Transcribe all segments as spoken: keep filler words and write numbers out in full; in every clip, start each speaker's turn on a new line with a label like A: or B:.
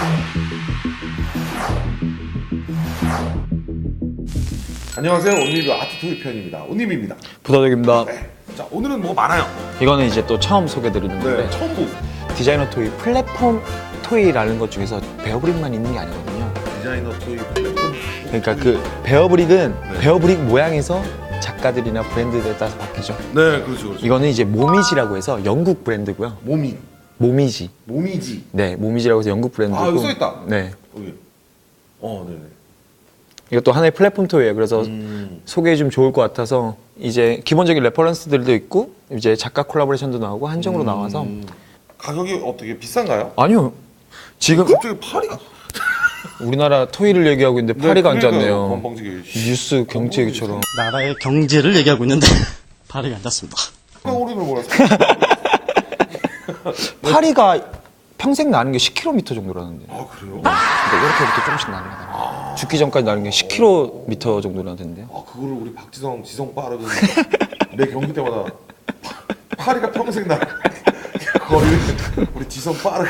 A: 안녕하세요. 온리뷰 아트토이 편입니다. 온님입니다.
B: 부다덕입니다.
A: 네. 자, 오늘은 뭐 많아요.
B: 이거는 이제 또 처음 소개드리는 건데
A: 네, 처음 보고.
B: 디자이너 토이 플랫폼 토이라는 것 중에서 베어브릭만 있는 게 아니거든요.
A: 디자이너 토이 플랫폼.
B: 그러니까 그 베어브릭은
A: 네.
B: 베어브릭 모양에서 작가들이나 브랜드에 따라서 바뀌죠.
A: 네, 그렇죠, 그렇죠.
B: 이거는 이제 모미지라고 해서 영국 브랜드고요.
A: 모미,
B: 모미지.
A: 모미지.
B: 네, 모미지라고 해서 영국 브랜드고.
A: 아, 여기 써 있다.
B: 네.
A: 여기. 어, 네네.
B: 이것도 하나의 플랫폼 토이예요. 그래서
A: 음.
B: 소개해 주면 좋을 것 같아서 이제 기본적인 레퍼런스들도 있고 이제 작가 콜라보레이션도 나오고 한정으로
A: 음.
B: 나와서
A: 가격이 어떻게 비싼가요?
B: 아니요. 지금
A: 갑자기 파리가.
B: 우리나라 토이를 얘기하고 있는데
A: 네,
B: 파리가
A: 그러니까요.
B: 앉았네요.
A: 건방지게.
B: 뉴스 경제 얘기처럼.
C: 나라의 경제를 얘기하고 있는데 발이 앉았습니다.
A: 오리를 몰랐어.
B: 파리가 평생 나는 게 십 킬로미터 정도라는데.
A: 아, 그래요?
B: 근데 이렇게부터 조금씩 나는 거다. 죽기 전까지 나는 게 십 킬로미터 정도라던데요.
A: 아, 그거를 우리 박지성, 지성 빠르는 매 경기 때마다 파- 파리가 평생 나. 거리를 우리 지성 빠르.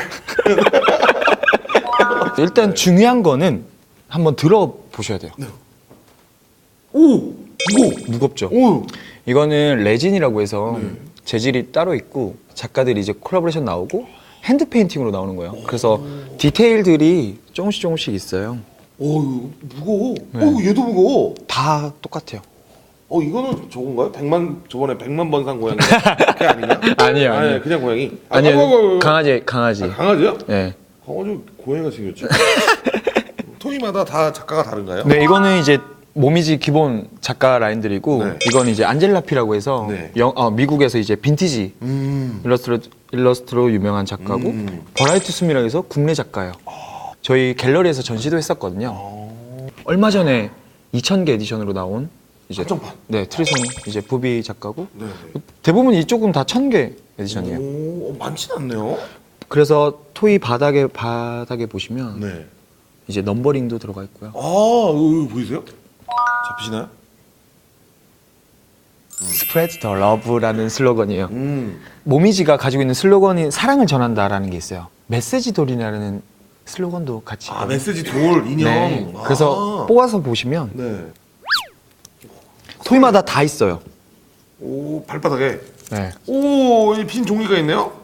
B: 일단 중요한 거는 한번 들어보셔야 돼요.
A: 오, 무거.
B: 무겁죠?
A: 오.
B: 이거는 레진이라고 해서 재질이 따로 있고 작가들이 이제 콜라보레이션 나오고 핸드 페인팅으로 나오는 거예요. 그래서 디테일들이 조금씩 조금씩 있어요.
A: 오, 이거 무거워.
B: 네.
A: 오, 얘도 무거워.
B: 다 똑같아요.
A: 어, 이거는 저건가요? 백만 저번에 백만 번 산 고양이. 그게 아니냐?
B: 아니에요, 아니에요.
A: 아니, 그냥 고양이. 아,
B: 아니요,
A: 아이고, 아이고, 아이고.
B: 강아지, 강아지.
A: 아, 강아지요?
B: 네.
A: 강아지 고양이가 생겼죠. 토이마다 다 작가가 다른가요?
B: 네, 이거는 이제 모미지 기본 작가 라인들이고
A: 네.
B: 이건 이제 안젤라피라고 해서
A: 네.
B: 영, 어, 미국에서 이제 빈티지
A: 음.
B: 일러스트로, 일러스트로 유명한 작가고
A: 음.
B: 버라이티 숨이라고 해서 국내 작가예요. 저희 갤러리에서 전시도 했었거든요.
A: 어.
B: 얼마 전에 이천 개 에디션으로 나온 이제
A: 한정판.
B: 네, 트리손 이제 부비 작가고
A: 네.
B: 대부분 이쪽은 다 천 개 에디션이에요.
A: 오, 어, 많진 않네요.
B: 그래서 토이 바닥에 바닥에 보시면
A: 네.
B: 이제 넘버링도 들어가 있고요.
A: 아, 이거 보이세요? 잡히시나요?
B: Spread the love라는 슬로건이에요.
A: 음.
B: 모미지가 가지고 있는 슬로건이 사랑을 전한다라는 게 있어요. 메시지 돌이라는 슬로건도 같이.
A: 아,
B: 있거든요.
A: 메시지 돌 인형.
B: 네.
A: 아.
B: 그래서 뽑아서 보시면
A: 네.
B: 토이마다 다 있어요.
A: 오, 발바닥에.
B: 네.
A: 오, 이 빈 종이가 있네요.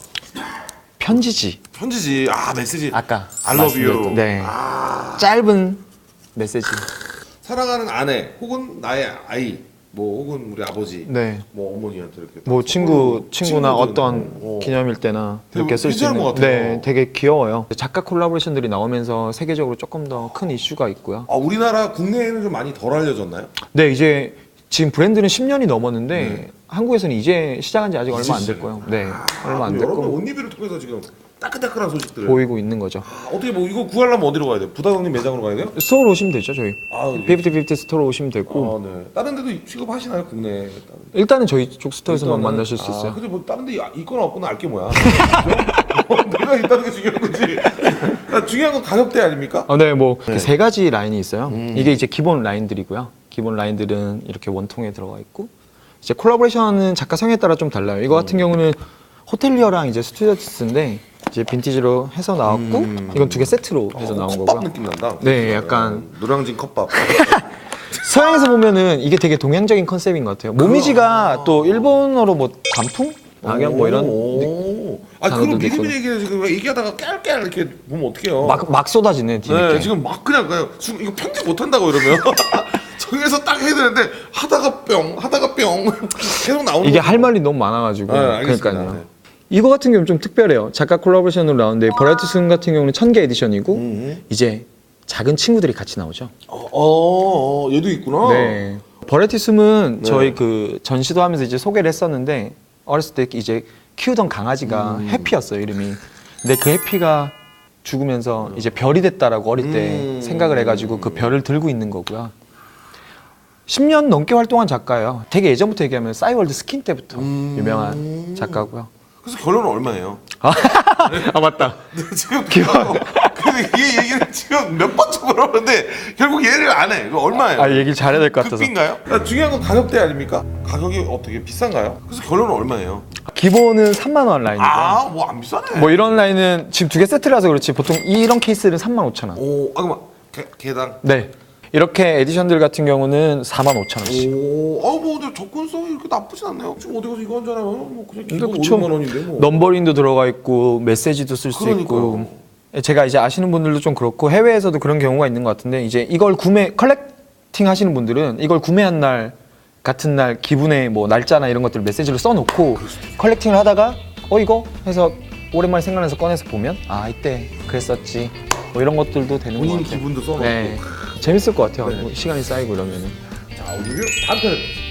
B: 편지지.
A: 편지지. 아, 메시지.
B: 아까
A: I love you.
B: 말씀드렸던, 네.
A: 아.
B: 짧은 메시지.
A: 사랑하는 아내 혹은 나의 아이, 뭐 혹은 우리 아버지,
B: 네.
A: 뭐 어머니한테 이렇게
B: 뭐
A: 딱
B: 친구
A: 선물로
B: 친구나
A: 친구든,
B: 어떤
A: 어.
B: 기념일 때나
A: 되게
B: 이렇게 쓸 수
A: 괜찮은
B: 있는.
A: 것 같아요.
B: 네, 되게 귀여워요. 작가 콜라보레이션들이 나오면서 세계적으로 조금 더 큰 이슈가 있고요.
A: 아, 우리나라 국내에는 좀 많이 덜 알려졌나요?
B: 네, 이제 지금 브랜드는 십 년이 넘었는데
A: 네.
B: 한국에서는 이제 시작한 지 아직 얼마 안
A: 이제
B: 됐고요. 네,
A: 아,
B: 얼마 안
A: 여러분
B: 됐고
A: 온리뷰를 통해서 지금 따끈따끈한 소식들을
B: 보이고 있는 거죠.
A: 아, 어떻게 뭐 이거 구하려면 어디로 가야 돼요? 부다동님 매장으로 가야 돼요?
B: 스토어로 오시면 되죠, 저희.
A: 아,
B: 피프티 피프티 스토어로 오시면 되고
A: 아, 네. 다른 데도 취급하시나요, 국내에? 다른 데?
B: 일단은 저희 쪽 스토어에서만
A: 일단은,
B: 만나실 수
A: 아,
B: 있어요.
A: 근데 뭐 다른 데 있거나 없거나 알게 뭐야. 그죠? 어, 내가 있다는 게 중요한 거지. 아, 중요한 건 가격대 아닙니까?
B: 아, 네, 뭐
A: 네.
B: 세 가지 라인이 있어요.
A: 음.
B: 이게 이제 기본 라인들이고요. 기본 라인들은 이렇게 원통에 들어가 있고 이제 콜라보레이션은 작가 성에 따라 좀 달라요. 이거 같은 경우는 호텔리어랑 이제 스튜디오스인데 이제 빈티지로 해서 나왔고
A: 음.
B: 이건 두 개 세트로 해서
A: 어,
B: 나온
A: 컵밥
B: 거고요.
A: 느낌 난다.
B: 네, 약간
A: 어, 노량진 컵밥.
B: 서양에서 보면은 이게 되게 동양적인 컨셉인 것 같아요. 모미지가
A: 아.
B: 또 일본어로 뭐 단풍? 악연 뭐 이런
A: 오. 아,
B: 단어들도
A: 그럼 미리미리
B: 있거든요.
A: 얘기해 지금 얘기하다가 깨알깨알 이렇게 보면 어떡해요?
B: 막, 막 쏟아지네 뒤늦게.
A: 네, 지금 막 그냥 그냥 지금 이거 편집 못 한다고 이러면 저기에서 딱 해야 되는데 하다가 뿅 하다가 뿅 계속 나오는
B: 이게
A: 거죠.
B: 할 말이 너무 많아가지고.
A: 네, 알겠습니다.
B: 그러니까요.
A: 네.
B: 이거 같은 경우는 좀 특별해요. 작가 콜라보레이션으로 나오는데 버라이티 순 같은 경우는 천 개 에디션이고
A: 음.
B: 이제 작은 친구들이 같이 나오죠.
A: 어, 어, 어, 얘도 있구나.
B: 네. 버라이티 숨은
A: 네.
B: 저희 그 전시도 하면서 이제 소개를 했었는데 어렸을 때 이제 키우던 강아지가
A: 음.
B: 해피였어요, 이름이. 근데 그 해피가 죽으면서 이제 별이 됐다라고 어릴 때
A: 음.
B: 생각을 해가지고 그 별을 들고 있는 거고요. 십 년 넘게 활동한 작가예요. 되게 예전부터 얘기하면 싸이월드 스킨 때부터
A: 음.
B: 유명한 작가고요.
A: 그래서 결론은 얼마예요?
B: 아 맞다.
A: 지금 기본. 근데 이 얘기를 지금 몇 번째 물어보는데 결국 얘를 안 해. 이거 얼마예요?
B: 아 얘기 잘해야 될 것 같아서.
A: 극비인가요? 아, 중요한 건 가격대 아닙니까? 가격이 어떻게 비싼가요? 그래서 결론은 얼마예요?
B: 기본은 삼만 원 라인이고.
A: 아, 뭐 안 비싸네.
B: 뭐 이런 라인은 지금 두 개 세트라서 그렇지 보통 이런 케이스는 삼만 오천 원.
A: 오, 아, 그만 개, 개당.
B: 네. 이렇게 에디션들 같은 경우는 사만 오천 원씩.
A: 오, 아, 뭐 근데 접근성이 이렇게 나쁘진 않네요. 지금 어디 가서 이거 한잖아요. 뭐 그냥
B: 근데
A: 기본
B: 그쵸.
A: 오백만 원인데 뭐.
B: 넘버링도 들어가 있고 메시지도 쓸 수 있고. 제가 이제 아시는 분들도 좀 그렇고 해외에서도 그런 경우가 있는 것 같은데 이제 이걸 구매 컬렉팅 하시는 분들은 이걸 구매한 날 같은 날 기분의 뭐 날짜나 이런 것들을 메시지로 써놓고 컬렉팅을 하다가 어 이거 해서 오랜만에 생각나서 꺼내서 보면 아 이때 그랬었지 뭐 이런 것들도 되는 것
A: 본인
B: 같아요.
A: 기분도 써놓고.
B: 네. 재밌을 것 같아요.
A: 네.
B: 뭐 시간이 쌓이고 이러면은.
A: 자, 리뷰 다음 편.